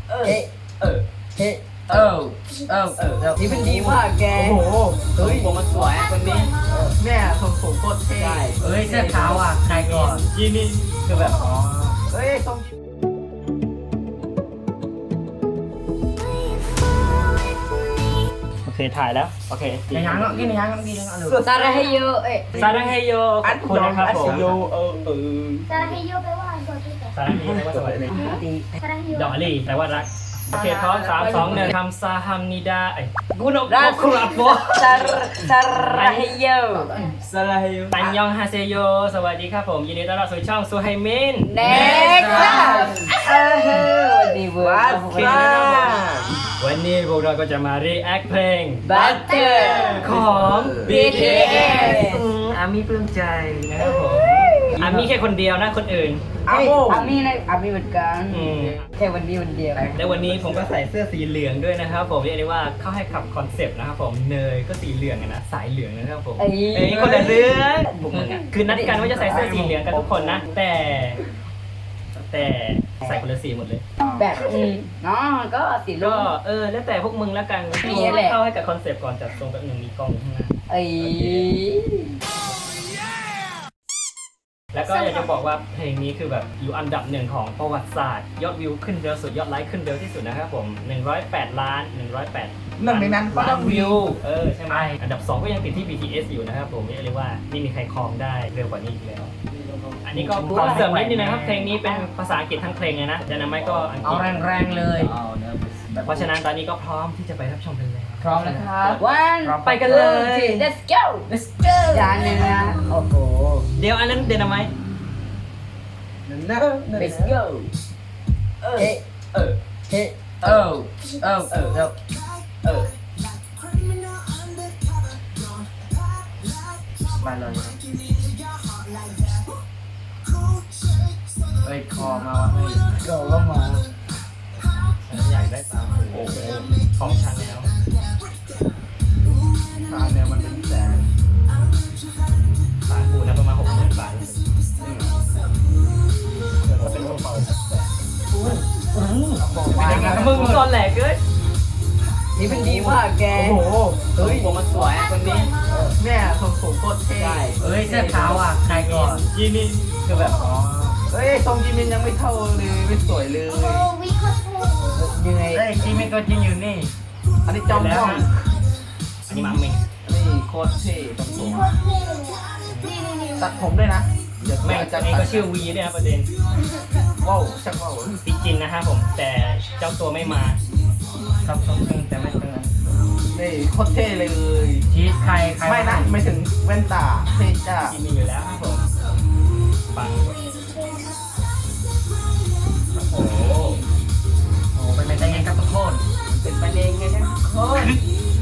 เฮ้เออเฮ้นี่มันดีมากแกโอ้โหเฮ้ยผมมันสวยคนนี้แม่ผมโคตรเท่เฮ้ยเสื้อขาวอ่ะใครก่อนยีนี่คือแบบอ๋อเฮ้ยทรงโอเคถ่ายแล้วโอเคในยังกินในยังกินในยังซาราเฮโยซาดังเฮโยขอบคุณนะครับผมซาราเฮโยแปลว่าอะไรก่อนที่จะซาดังเฮโยแปลว่าสวัสดีซาราเฮโยดอกลี่แปลว่ารักโอเคพร้อม3 2 1คำซาฮัมนิดากูนกครับผมซาราเฮโยสลายอันยองฮาเซโยสวัสดีครับผมยินดีต้อนรับสู่ช่องซูไฮมินเน็กซ์วันนี้เวิร์ดวันนี้พวกเราก็จะมา react เพลง Butter ของ BTS อามี่ปลื้มใจนะครับผมอามี่แค่คนเดียวนะคนอื่นอามีนะอามีเหมือนกันแค่วันนี้วันเดียวและวันนี้ผมก็ใส่เสื้อสีเหลืองด้วยนะครับผมเรียกได้ว่าเข้าให้ขับคอนเซปต์นะครับผมเนยก็สีเหลืองนะสายเหลืองนะครับผมคนละเรื่องคือนัดกันว่าจะใส่เสื้อสีเหลืองกันทุกคนนะแต่ใส่คนละสีหมดเลยแบบเนาะก็สีก็ลุ้งแล้วแต่พวกมึงแล้วกันนี่แหละเข้าให้กับคอนเซปต์ก่อนจัดทรงแบบหนึ่งมีกล้องข้างหน้าแล้วก็อยากจะบอกว่าเพลงนี้คือแบบอยู่อันดับ1ของประวัติศาสตร์ยอดวิวขึ้นเร็วสุดยอดไลค์ขึ้นเร็วที่สุดนะครับผม108 ล้านหนึ่งในนั้นก็ต้องวิวใช่ไหมอันดับ2ก็ยังติดที่ BTS อยู่นะครับผมเรียกว่าไม่มีใครครองได้เร็วกว่านี้อีกแล้วอันนี้ก็ขอเสริมนิดนึงนะครับเพลงนี้เป็นภาษาอังกฤษทั้งเพลงเลยนะแต่นั้นไม่ก็อังกฤเอาษแรงๆเลยเพราะฉะนั้นตอนนี้ก็พร้อมที่จะไปรับชมเพลงแล้วพร้อมแล้วครับ one ไปกันเลย let's go จานนึงนะโอ้โหเดี๋ยวอันนั้นเดนามาย let's go เฮ้มาเลยเฮ้ยคอมาว่ะเฮ้ย go ก็มาฉันอยากได้ตามโอ้โหของฉันแล้วตาเนี่ยมันเป็นแสนตามกูนะประมาณ60,000 บาทเป็นกระเป๋ามึงก่อนแหลกเกินนี่มันดีมากแกโอ้โหเฮ้ยผมมันสวยคนนี้แม่ผมโคตรเท่เฮ้ยเสื้อขาวอ่ะใครก่อนยีนี่คือแบบอ๋อเฮ้ยทรงยีมินยังไม่เท่าเลยไม่สวยเลยโอ้วิคอเท่ยังไงเฮ้ยจีมิก็จริงอยู่นี่อันนี้จอมพ่องอันนี้มัมมิงนี่โคตรเท่ตรงสูงโคตรเท่เลยนี่ตัดผมด้วยนะแม่งอันนี้ก็ชื่อวีด้วยนะประเด็นว้าวชักว้าวจริงๆนะฮะผมแต่เจ้าตัวไม่มาครับสมจริงแต่ไม่เป็นไรนี่โคตรเท่เลยชีสใครไม่นะไม่ถึงแว่นตาเท่จ้าที่มีอยู่แล้วครับผมปังโอ้โหโอ้เป็นไปได้ไงครับทุกคนเป็นไปเองไงนะโค้ด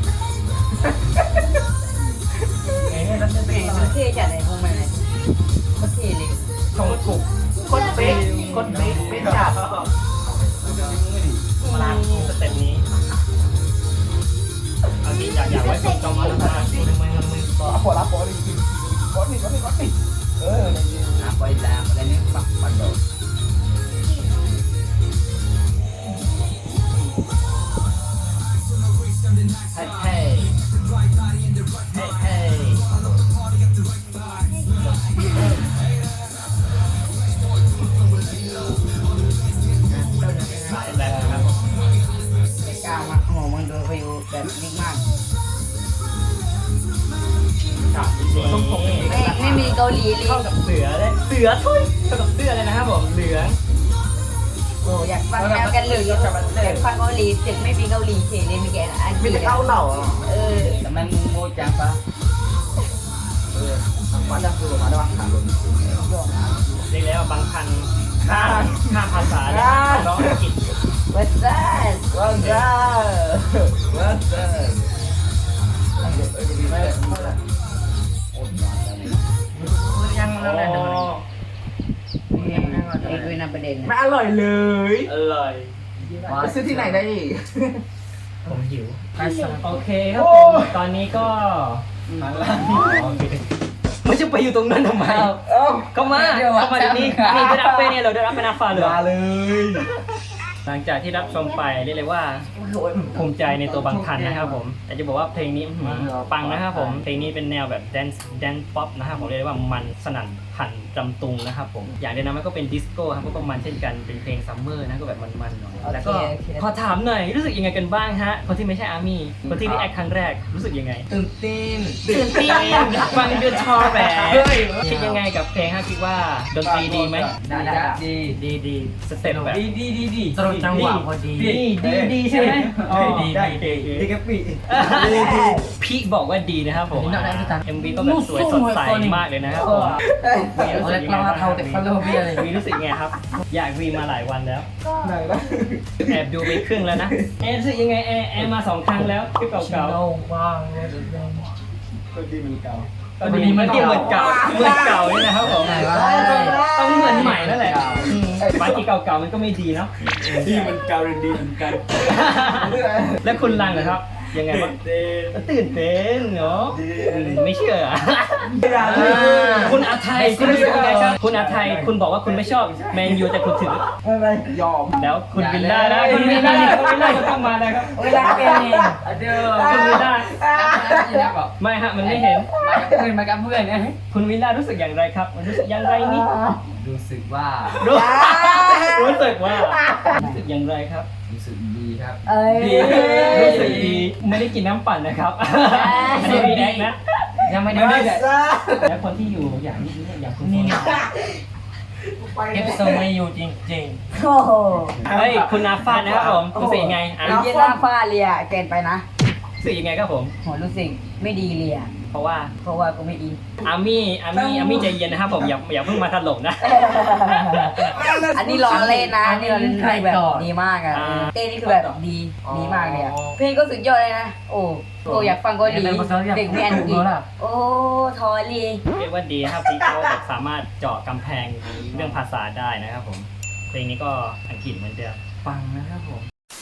เอ๊ะแล้วจะเป็นเท่จัดเลยพวกมันเลยโคตรเท่เลยชงกุกโคตรเป๊ะโคตรเป๊ะไม่จับมาลาสเต็ปนี้เอาจริงอยากไว้สุดจอมมาแล้วนะมือขอรับขอดิขอนี่นะไปตามอะไรนี่ปักปันโดเฮ้เฮ้เฮ้แบบครับไม่กล้ามาโอ้โหมันดูวิวแบบดีมากไม่มีเกาหลีเลยเข้ากับเสือเลยเสือทุยเข้ากับเสื้อเลยนะครับผมเหลืองโอ้อยากฟังแนวกันเหลืองอยากฟังเกาหลีเสียงไม่มีเกาหลีเฉยเลยมีแกอันไม่ได้เข้าเหล่าอ่ะแต่มันมึงโง่จังปะมาจากคือมาได้บางคันเรียกแล้วบางคันข้ามภาษาเลยร้องอังกฤษวัดซ่ายังแล้วแหละไอ้ด้วยนะประเด็นไม่อร่อยเลยอร่อยไปซื้อที่ไหนได้อีกผมหิวโอเคครับผมตอนนี้ก็ไม่จะไปอยู่ตรงนั้นทำไมเข้ามาเดี๋ยวนี้นี่ได้รับไปเนี่ยเราได้รับไปนาฟ้าเลยมาเลยหลังจากที่รับชมไปเรียกเลยว่าภูมิใจในตัวบางทันนะครับผมแต่จะบอกว่าเพลงนี้ปังนะครับผมเพลงนี้เป็นแนวแบบแดนป๊อปนะครับผมเรียกว่ามันสนั่นพันรำตุงนะครับผมอย่างเดียวนะมันก็เป็นดิสโก้ครับก็มันเช่นกันเป็นเพลงซัมเมอร์นะก็แบบมันๆหน่อยแล้วก็ขอถามหน่อยรู้สึกยังไงกันบ้างฮะคนที่ไม่ใช่อาร์มี่คนที่รีแอคครั้งแรกรู้สึกยังไงตื่นเต้นตื่นเต้นฟังดูทอแหวคิดยังไงกับเพลงฮะคิดว่าดนตรีดีไหมดีสเต็ปแบบดีตรงจังหวะพอดีดีใช่ไหมดีกับปีพี่บอกว่าดีนะครับผม MV ก็แบบสวยสดใสมากเลยนะครับผมเอาเล็กเราเท่าแต่เขาเริ่มเลยวีรู้สึกไงครับ อยากวีมาหลายวันแล้วก็แอบดูไปครึ่งแล้วนะแอร์รู้สึกยังไงแอร์มา2 ครั้งแล้วคลิปเก่าๆว่างเลยก็ดีเหมือนเก่าเหมือนเก่านี่นะครับผมต้องเหมือนใหม่นั่นแหละบางทีเก่าๆมันก็ไม่ดีเนาะที่มันเกาดีเหมือนกันแล้วคุณลังเหรอครับยังไงบ้างตื่นเต้นเนาะไม่เชื่อคุณอาไทยคุณรู้สึกยังไงครับคุณอาไทยคุณบอกว่าคุณไม่ชอบแมนยูแต่คุณถือยอมแล้วคุณวิลล่านะคุณวิลล่าก็ต้องมาแล้วครับเวลาเป็นเด้อคุณวิลล่าแล้วก็ไม่ฮะมันไม่เห็นมากับเพื่อนนะคุณวิลล่ารู้สึกอย่างไรครับมันรู้สึกอย่างไรนี่รู้สึกว่ารู้สึกว่ารู้สึกอย่างไรครับรู้สึกดีครับเอ้ยรู้สึกดีไม่ได้กินน้ำปั่นนะครับอันนี้รีแอคนะยังไม่ได้แล้วคนที่อยู่อย่างนี้อย่างคุณนี่นี่เอฟโซไม่อยู่จริงโอ้โหเฮ้ยคุณนาฟาดนะครับผมรู้สึกยังไงอ่ะเย็นหน้าฟ้าเลียเกินไปนะรู้สึกยังไงครับผมโหรู้สึกไม่ดีเลียเพราะว่าเพราะว่ากูไม่อินอามี่ใจเย็นนะครับผมอย่าเพิ่งมาถล่มนะอันนี้ร้องเล่นนะอันนี่เราเล่นคือแบบดีมากอ่ะเต้นี่คือแบบดีมากเลยอ่ะเพลงก็สุดยอดเลยนะโอ้อยากฟังเกาหลีเด็กไม่อันกฤษโอ้ทอรีเรียกว่าดีนะครับที่เขาแบบสามารถเจาะกำแพงเรื่องภาษาได้นะครับผมเพลงนี้ก็อังกฤษเหมือนเดิมฟังนะครับผม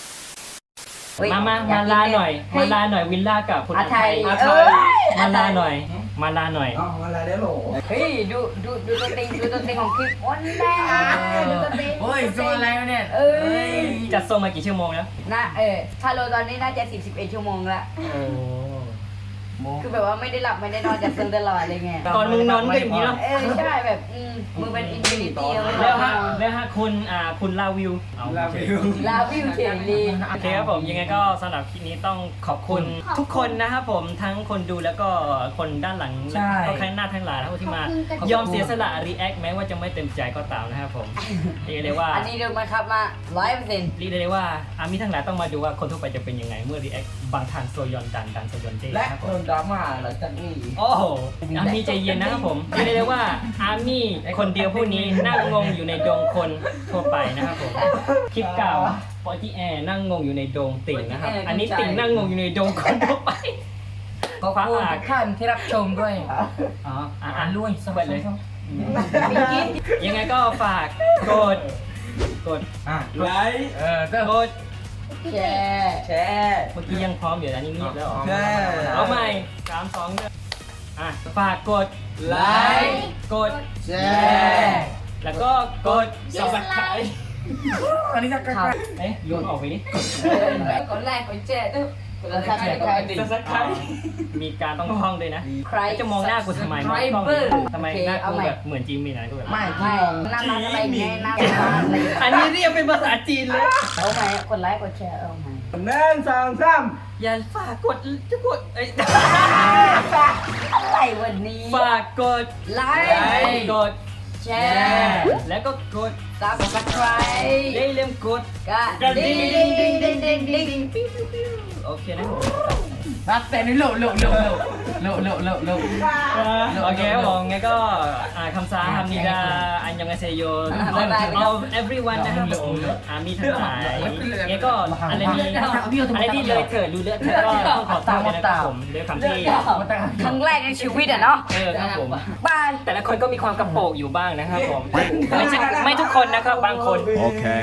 มาลาหน่อยวิลล่ากับคุณอาไทยมาลาหน่อยอ๋ออะไรได้หรอเฮ้ยดูตัวเต็งของคลิปวันแรกดูตัวเต็งโอ้ยโซอะไรวะเนี่ยเอ้ยจัดส่งมากี่ชั่วโมงแล้วนะชาโลตอนนี้น่าจะ11 ชั่วโมงละโอ้คือแบบว่าไม่ได้หลับไม่ได้นอนจากซึมตลอดเลยไงตอนมึงนอนก็อย่างนี้เนาะใช่แบบมึงเป็นอินฟินิตี้แล้วฮะคุณลาวิวลาวิวลาวิวเฉยดีโอเคครับผมยังไงก็สำหรับคลิปนี้ต้องขอบคุณทุกคนนะครับผมทั้งคนดูแล้วก็คนด้านหลังก็ข้างหน้าทั้งหลายนะครับที่มายอมเสียสละรีแอคแม้ว่าจะไม่เต็มใจก็ตามนะครับผมเรียกได้ว่าอันนี้ดูมาครับมา100% เรียกได้ว่าอามีทั้งหลายต้องมาดูว่าคนทั่วไปจะเป็นยังไงเมื่อรีแอคบางทานโซยอนดันโซยอนเด้และนะครับโดผมนดราม่าหลังจากนี้โอ้โหอามีใจเย็นนะครับผมเรียกได้ว่าอามีคนเดียวผู้นี้นั่งงงอยู่ในดงคนทั่วไปนะครับผมคลิปเก่าปอจีแอร์นั่งงงอยู่ในดงติ่งนะครับอันนี้ติ่งนั่งงงอยู่ในดงคนทั่วไปขอบคุณทุกท่านที่รับชมด้วยอ๋ออ่าอ่านด้วยสวัสดีเลยยังไงก็ฝากกดไลค์ก็กดแชร์แชร์เมื่อกี้ยังพร้อมอยู่นะนี่เงียบแล้วเหรอใช่เอาใหม่3 2 1ฝากกดไลค์กดแชร์แล้วก็กด subscribe อันนี้จะกระเอ๊ะโยนออกไปดิกดไลค์กดแชร์กดซับสไครต์ subscribe มีการต้องท่องด้วยนะใครจะมองหน้ากูทำไมมองกล้องดิทำไมหน้ากูแบบเหมือนจิมมี่นะกูแบบไม่หน้ามันอะไรไงหน้ามันอันนี้เรียกเป็นภาษาจีนเลยเอาไหมกดไลค์กดแชร์เอาไหม 1 2 3 อย่าฝากกดจะกดเอ้ยอะไรวันนี้ฝากกดไลกค์ดแชร์แล้วก็กดซับสไครต์ได้เริ่มกดก็ดิ้งโอเคนะผมรับแต่นี่โลโอเคครับผมงั้นก็คำสาฮัมนิดาอันยองอาเซโยเอา everyone นะครับผมมีทั้งหลายงั้นก็อะไรที่เลยเถิดดูเลอะเถิดก็ต้องขอโทษด้วยนะครับผมด้วยคำที่ครั้งแรกในชีวิตอ่ะเนาะครับผมบายแต่ละคนก็มีความกระโปงอยู่บ้างนะครับผมไม่ทุกคนนะครับบางคน Okay.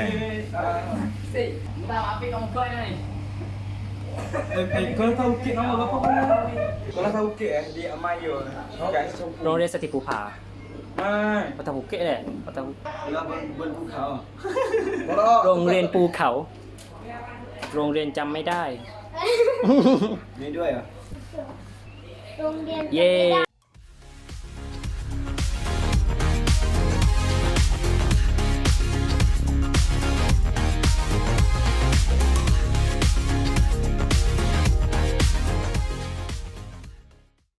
kalau tahu kek nama bapak mana? Kalau tahu kek dia Amayo. Guys, โรงเรียนสติปูผาไม่ปะทะบุเกะแหละปะทะบุเราบนภูเขาโรงเรียนภูเขา โรงเรียนจำไม่ได้มีด้วยเหรอโรงเรียนเย้